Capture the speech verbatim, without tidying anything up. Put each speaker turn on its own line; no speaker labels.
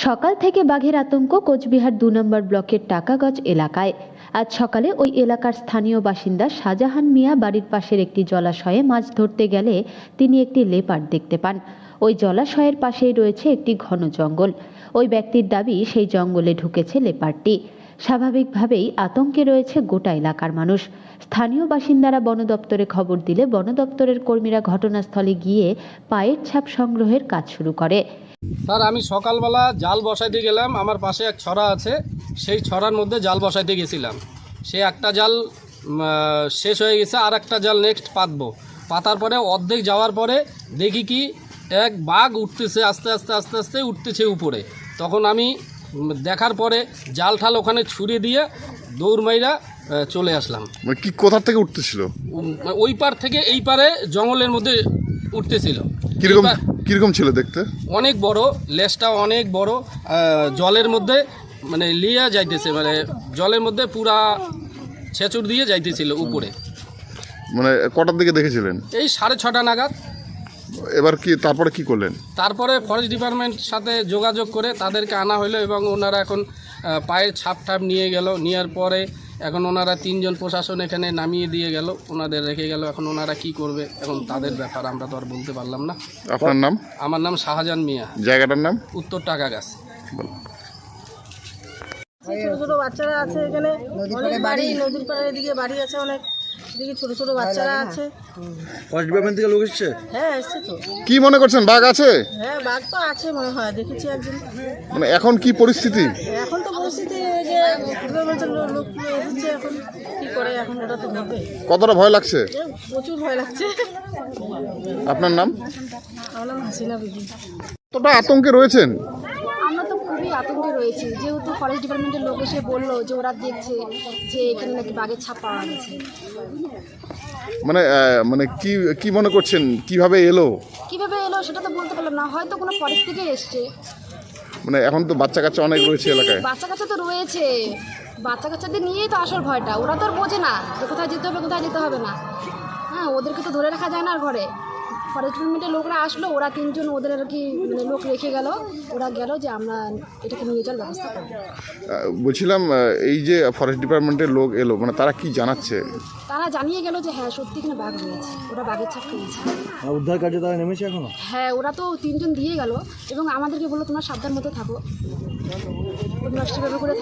সকাল থেকে বাঘের আতঙ্ক কোচবিহার দু নম্বর ব্লকের টাকাগজ এলাকায়। আজ সকালে ওই এলাকার স্থানীয় বাসিন্দা শাহজাহান মিয়া বাড়ির পাশের একটি জলাশয়ে মাছ ধরতে গেলে তিনি একটি লেপার্ড দেখতে পান। ওই জলাশয়ের পাশেই রয়েছে একটি ঘন জঙ্গল। ওই ব্যক্তির দাবি সেই জঙ্গলে ঢুকেছে লেপার্ডটি। স্বাভাবিকভাবেই আতঙ্কে রয়েছে গোটা এলাকার মানুষ। স্থানীয় বাসিন্দারা বন দপ্তরে খবর দিলে বন দপ্তরের কর্মীরা ঘটনাস্থলে গিয়ে পায়ের ছাপ সংগ্রহের কাজ শুরু করে।
স্যার, আমি সকালবেলা জাল বসাইতে গেলাম, আমার পাশে এক ছড়া আছে, সেই ছড়ার মধ্যে জাল বসাইতে গেছিলাম। সে একটা জাল শেষ হয়ে গেছে, আর একটা জাল নেক্সট পাতবো। পাতার পরে অর্ধেক যাওয়ার পরে দেখি কি এক বাঘ উঠতেছে, আস্তে আস্তে আস্তে আস্তে উঠতেছে উপরে। তখন আমি দেখার পরে জাল ঠাল ওখানে ছুড়ে দিয়ে দৌড় মাইরা চলে আসলাম।
মানে কি কোথা থেকে উঠতেছিল?
ওই পার থেকে এই পারে জঙ্গলের মধ্যে উঠতেছিল।
কিরকম কিরকম ছিল দেখতে?
অনেক বড়, লেজটা অনেক বড়, জলের মধ্যে মানে লিয়া যাইতেছে, মানে জলের মধ্যে পুরা ছেঁচুর দিয়ে যাইতেছিল উপরে।
মানে কটার দিকে দেখেছিলেন?
এই সাড়ে ছটা নাগাদ।
এবার কি তারপরে কি করলেন?
তারপরে ফরেস্ট ডিপার্টমেন্ট সাথে যোগাযোগ করে তাদেরকে আনা হলো এবং ওনারা এখন পায়ের ছাপ ঠাপ নিয়ে গেল। নেওয়ার পরে এখন ওনারা তিনজন প্রশাসন এখানে নামিয়ে দিয়ে গেল, ওনাদের রেখে গেল। এখন ওনারা কি করবে এখন তাদের ব্যাপার, আমরা তো আর বলতে পারলাম না।
আপনার নাম?
আমার নাম শাহজাহান মিয়া।
জায়গাটার নাম?
উত্তর টাকাগাছ।
ছোট ছোট বাচ্চারা আছে এখানে, অনেক বাড়ি নদীর পাড়ের দিকে বাড়ি আছে, অনেক দিকে ছোট ছোট বাচ্চারা আছে।
ফরেস্ট ডিপার্টমেন্ট থেকে লোক এসছে?
হ্যাঁ এসছে তো।
কি মনে করছেন, বাঘ আছে?
হ্যাঁ বাঘ তো আছে মনে হয়, দেখেছি একদিন।
মানে এখন কি পরিস্থিতি?
এখন তো পরিস্থিতি যে ডিপার্টমেন্টের লোক এসেছে, এখন কি করে এখন ওটা তো হবে।
কতটা ভয় লাগছে?
প্রচুর ভয় লাগছে।
আপনার নাম?
আমার নাম হাসিনা বিবি।
কতটা আতঙ্কে রয়েছেন?
আমরা তো খুবই আতঙ্কে রয়েছি, যেহেতু ফরেস্ট ডিপার্টমেন্টের লোক এসে বললো যে ওরা দেখছে যে এখানে নাকি বাঘের ছাপ পাওয়া গেছে।
মানে মানে কি কি মনে করছেন, কিভাবে এলো?
কিভাবে এলো সেটা তো বলতে পারলাম না, হয়তো কোনো ফরেস্ট থেকে এসছে।
মানে এখন তো বাচ্চা কাচ্চা অনেক রয়েছে এলাকায়।
বাচ্চা কাচ্চা তো রয়েছে, বাচ্চা কাচ্চাদের নিয়েই তো আসল ভয়টা। ওরা তো আর বোঝে না যে কোথায় যেতে হবে কোথায় যেতে হবে না। হ্যাঁ, ওদেরকে তো ধরে রাখা যায় না আর ঘরে। ফরেস্ট ডিপার্টমেন্টের লোকরা আসলো, ওরা তিনজন ওদের আর কি মানে লোক রেখে গেল। ওরা গেল যে আমরা এটাকে নিয়ে যাওয়ার ব্যবস্থা করবো।
বলছিলাম এই যে ফরেস্ট ডিপার্টমেন্টের লোক এলো, মানে তারা কি জানাচ্ছে?
তারা জানিয়ে গেল যে হ্যাঁ সত্যি এখানে বাঘ রয়েছে, ওরা বাঘের ছাপ পেয়েছে।
উদ্ধার কার্যে তারা নেমেছে এখনো?
হ্যাঁ, ওরা তো তিনজন দিয়ে গেল এবং আমাদেরকে বললো তোমরা সাবধান মতো থাকো, তোমরা সেভাবে করে